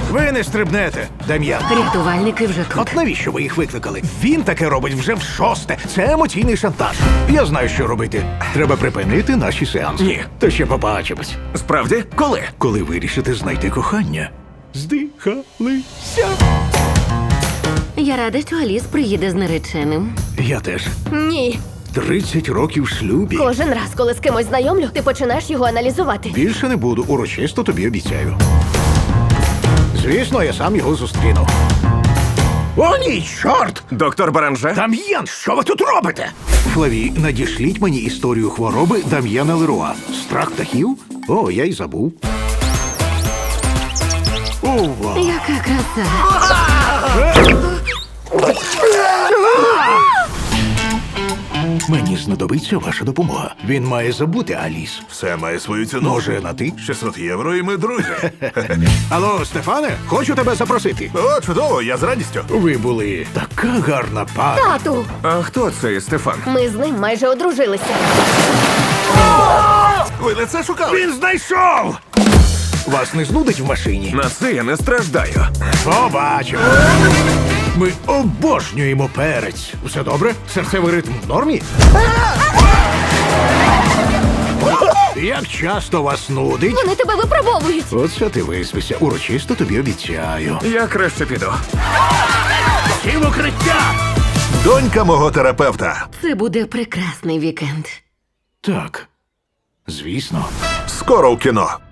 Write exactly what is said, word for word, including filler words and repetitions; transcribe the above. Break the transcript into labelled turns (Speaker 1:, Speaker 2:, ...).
Speaker 1: Ви не стрибнете, Дем'ян.
Speaker 2: Рятувальники вже тут.
Speaker 1: От навіщо ви їх викликали? Він таке робить вже в шосте. Це емоційний шантаж. Я знаю, що робити. Треба припинити наші сеанси.
Speaker 3: Ні.
Speaker 1: То ще побачимось.
Speaker 3: Справді? Коли?
Speaker 1: Коли вирішите знайти кохання. Здихалися.
Speaker 2: Я рада, що Аліс приїде з нареченим.
Speaker 1: Я теж.
Speaker 4: Ні.
Speaker 1: тридцять років в шлюбі.
Speaker 4: Кожен раз, коли з кимось знайомлю, ти починаєш його аналізувати.
Speaker 1: Більше не буду, урочисто тобі обіцяю. Звісно, я сам його зустріну. О, ні, чорт!
Speaker 3: Доктор Баранже?
Speaker 1: Дам'ян, що ви тут робите? Флаві, надішліть мені історію хвороби Дам'яна Леруа. Страх птахів? О, я й забув. Ова!
Speaker 2: Яка краса.
Speaker 1: Мені знадобиться ваша допомога. Він має забути Аліс.
Speaker 5: Все має свою ціну.
Speaker 1: Може, на ти?
Speaker 5: шістсот євро і ми друзі.
Speaker 1: Алло, Стефане, хочу тебе запросити.
Speaker 5: О, чудово, я з радістю.
Speaker 1: Ви були така гарна пара.
Speaker 4: Тату!
Speaker 3: А хто цей Стефан?
Speaker 4: Ми з ним майже одружилися.
Speaker 5: Ви не це шукали?
Speaker 1: Він знайшов! Вас не знудить в машині?
Speaker 3: На це я не страждаю.
Speaker 1: Побачимо. Ми обожнюємо перець. Все добре? Серцевий ритм в нормі? Як часто вас нудить?
Speaker 4: Вони тебе випробовують.
Speaker 1: Оце ти виспися. Урочисто тобі обіцяю.
Speaker 3: Я краще піду.
Speaker 1: Всі в укриття!
Speaker 5: Донька мого терапевта.
Speaker 2: Це буде прекрасний вікенд.
Speaker 1: Так, звісно.
Speaker 5: Скоро в кіно.